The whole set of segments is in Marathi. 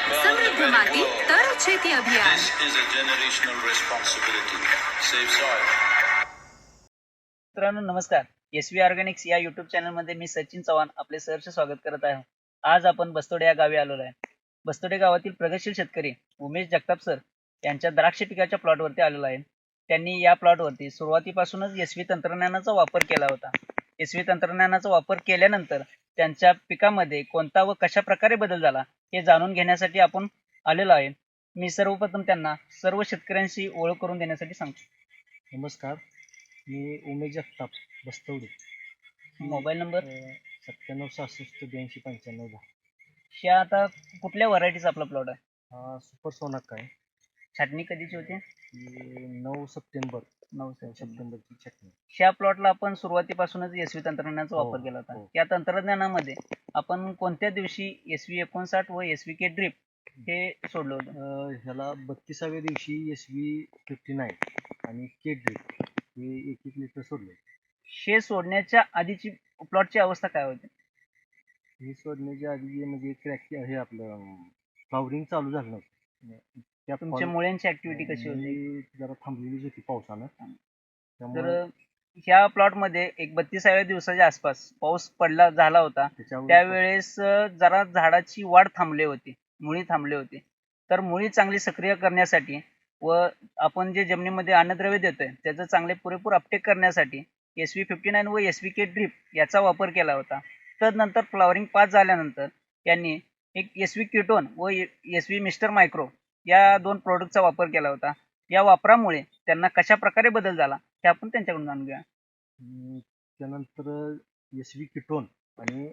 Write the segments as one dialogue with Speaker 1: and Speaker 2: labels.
Speaker 1: समृद्ध माती तर शेती अभियान.
Speaker 2: This is a generational responsibility. Save soil.
Speaker 3: मित्रांनो नमस्कार. SV ऑर्गॅनिक्स या युट्यूब चॅनलमध्ये मी सचिन चव्हाण आपले सहर्ष स्वागत करत आहे. आज आपण बस्तोडे या गावी आलेलो आहे. बस्तोडे गावातील प्रगतशील शेतकरी उमेश जगताप सर यांच्या द्राक्ष पिकाच्या प्लॉटवरती आलेलो आहे. त्यांनी या प्लॉटवरती सुरुवातीपासूनच SV तंत्रज्ञानाचा वापर केला होता. SV तंत्रज्ञानाचा वापर केल्यानंतर त्यांच्या पिकामध्ये कोणता व कशा प्रकारे बदल झाला हे जाणून घेण्यासाठी आपण आलेलो आहे. मी सर्वप्रथम त्यांना सर्व शेतकऱ्यांशी ओळख करून देण्यासाठी सांगतो.
Speaker 4: नमस्कार, मी उमेश जगताप बस्तवडे.
Speaker 3: Mobile number
Speaker 4: 9766829510.
Speaker 3: ह्या आता कुठल्या व्हरायटीचा आपला प्लॉट आहे?
Speaker 4: हा सुपर सोनाक आहे.
Speaker 3: छाटणी कधीची होती?
Speaker 4: 9 सप्टेंबर
Speaker 3: 9
Speaker 4: सप्टेंबरची छाटणी.
Speaker 3: ह्या प्लॉटला आपण सुरुवातीपासूनच SV तंत्रज्ञानाचा
Speaker 4: हो,
Speaker 3: वापर केला होता.
Speaker 4: हो.
Speaker 3: या तंत्रज्ञानामध्ये आपण कोणत्या दिवशी SV59 व SVK ड्रिप हे सोडलं होतं?
Speaker 4: ह्याला 32व्या दिवशी SV59 आणि के ड्रिप हे 1-1 लिटर सोडले.
Speaker 3: हे सोडण्याच्या आधीची प्लॉटची अवस्था काय होती?
Speaker 4: हे सोडण्याच्या आधी म्हणजे क्रॅक हे आपलं फ्लॉवरिंग चालू झालं नव्हतं. त्या
Speaker 3: तुमच्या मुळ्यांची ऍक्टिव्हिटी कशी होती?
Speaker 4: मुळे जरा थांबलेलीच होती पावसानं.
Speaker 3: तर
Speaker 4: त्यामुळे
Speaker 3: ह्या प्लॉटमध्ये एक 32व्या दिवसाच्या आसपास पाऊस झाला होता. त्यावेळेस जरा झाडाची वाढ थांबली होती, मुळी थांबली होती. तर मुळी चांगली सक्रिय करण्यासाठी व आपण जे जमिनीमध्ये अन्नद्रव्य देतोय त्याचं चांगले पुरेपूर अपटेक करण्यासाठी SV59 व SVK ड्रिप याचा वापर केला होता. तदनंतर फ्लॉवरिंग पास झाल्यानंतर यांनी एक SV कीटोन व SV मिस्टर मायक्रो या 2 प्रोडक्टचा वापर केला होता. या वापरामुळे त्यांना कशा प्रकारे बदल झाला हे आपण त्यांच्याकडून जाणून घेऊया.
Speaker 4: त्यानंतर SV कीटोन आणि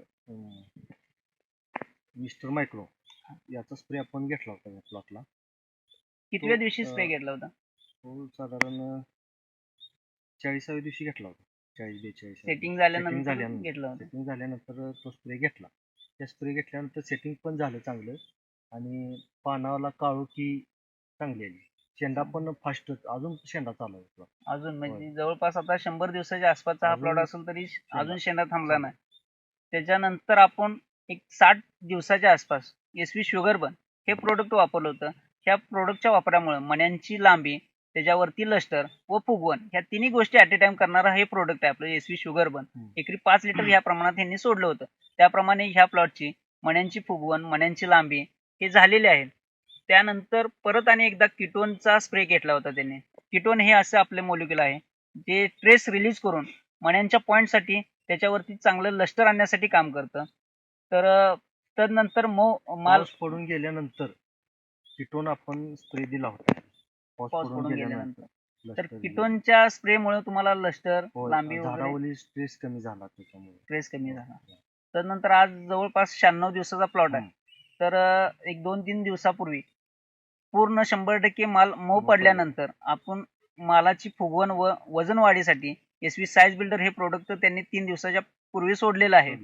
Speaker 4: मिस्टर मायक्रो याचा स्प्रे आपण घेतला होता या प्लॉटला.
Speaker 3: कितव्या दिवशी स्प्रे घेतला होता?
Speaker 4: तो साधारण 40व्या दिवशी घेतला होता. 40-42
Speaker 3: सेटिंग झाल्यानंतर घेतला होता.
Speaker 4: सेटिंग झाल्यानंतर तो स्प्रे घेतला. त्या स्प्रे घेतल्यानंतर सेटिंग पण झालं चांगलं आणि पानाला काळोखी चांगली आली. शेंडा पण फास्ट अजून शेंडा चालू आहे.
Speaker 3: अजून म्हणजे जवळपास आता 100 दिवसाच्या आसपासचा हा प्लॉट असेल तरी अजून शेंडा थांबला नाही. त्याच्यानंतर आपण एक 60 दिवसाच्या आसपास SV शुगरबन हे प्रोडक्ट वापरलं होतं. ह्या प्रोडक्टच्या वापरामुळे मण्यांची लांबी, त्याच्यावरती लस्टर व फुगवण ह्या तिन्ही गोष्टी ॲट ए टाइम करणारा हे प्रोडक्ट आहे आपलं SV शुगरबन. एकरी 5 लिटर ह्या प्रमाणात यांनी सोडलं होतं. त्याप्रमाणे ह्या प्लॉटची मण्यांची फुगवण, मण्यांची लांबी हे झालेले आहे. त्यानंतर परत आणि एकदा कीटोनचा स्प्रे घेतला होता त्यांनी. कीटोन हे असं आपले मॉलिक्यूल आहे जे ट्रेस रिलीज करून मण्यांच्या पॉईंटसाठी त्याच्यावरती चांगलं लस्टर आणण्यासाठी काम करतं. तर तदनंतर माल
Speaker 4: पडून गेल्यानंतर कीटोन आपण स्प्रे दिला होता.
Speaker 3: पाऊस पडून गेल्यानंतर तर कीटोनच्या स्प्रेमुळे तुम्हाला लस्टर, लांबी वगैरे
Speaker 4: झाडावरील स्ट्रेस कमी झाला. त्याच्यामुळे
Speaker 3: स्ट्रेस कमी झाला. तदनंतर आज जवळपास 96 दिवसाचा प्लॉट आहे. तर एक 2-3 दिवसापूर्वी पूर्ण 100% माल मऊ पडल्यानंतर आपण मालाची फुगवण व वजन वाढीसाठी SV साईज बिल्डर हे प्रोडक्ट त्यांनी 3 दिवसाच्या पूर्वी सोडलेलं आहे.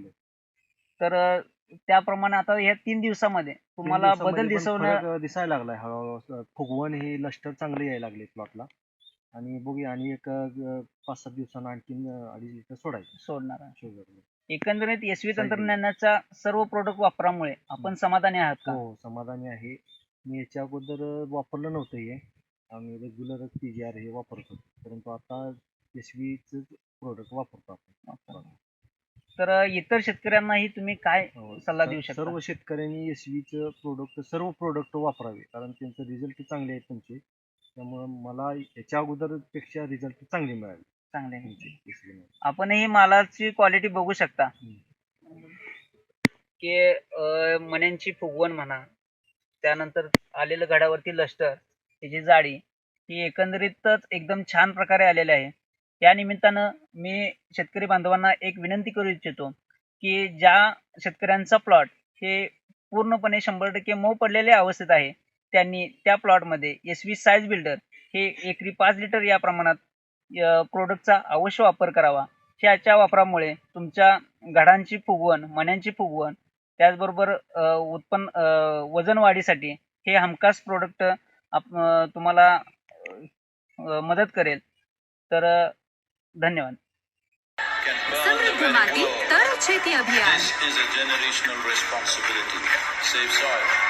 Speaker 3: तर त्याप्रमाणे आता ह्या 3 दिवसामध्ये तुम्हाला बदल
Speaker 4: दिसायला लागलाय. हळूहळू फुगवण हे लस्टर चांगले यायला लागले प्लॉटला आणि बघूया आणि एक 5-7 दिवसांना आणखीन 2.5 लिटर
Speaker 3: सोडणार आहे.
Speaker 4: शुगर.
Speaker 3: एकंदरीत SV तंत्रज्ञानाचा सर्व प्रोडक्ट वापरामुळे आपण समाधानी आहात का?
Speaker 4: हो, समाधानी आहे. मी याच्या अगोदर वापरलं नव्हतं हे. आम्ही रेग्युलर PGR हे वापरत होतो, परंतु आता SVच प्रोडक्ट वापरतो आपण.
Speaker 3: तर इतर शेतकऱ्यांनाही तुम्ही काय सल्ला देऊ शकता?
Speaker 4: सर्व शेतकऱ्यांनी SVच सर्व प्रोडक्ट वापरावे, कारण त्यांचे रिझल्ट चांगले आहेत तुमचे. त्यामुळे मला याच्या अगोदर पेक्षा रिझल्ट चांगले मिळाले.
Speaker 3: आपणही मालाची क्वालिटी बघू शकता की मण्यांची फुगवण म्हणा, त्यानंतर आलेलं घडावरती लस्टर, त्याची जाडी ही एकंदरीतच एकदम छान प्रकारे आलेली आहे. या निमित्तानं मी शेतकरी बांधवांना एक विनंती करू इच्छितो की ज्या शेतकऱ्यांचा प्लॉट हे पूर्णपणे 100% मऊ पडलेल्या अवस्थेत आहे त्यांनी त्या प्लॉटमध्ये SV साईज बिल्डर हे एकरी 5 लिटर या प्रमाणात प्रोडक्टचा अवश्य वापर करावा. ह्याच्या वापरामुळे तुमच्या घडांची फुगवण, मण्यांची फुगवण, त्याचबरोबर वजन वाढीसाठी हे हमखास प्रोडक्ट तुम्हाला मदत करेल. तर धन्यवाद.
Speaker 1: समृद्ध माती तर शेती अभियान.
Speaker 2: This is a generational responsibility. Save soil.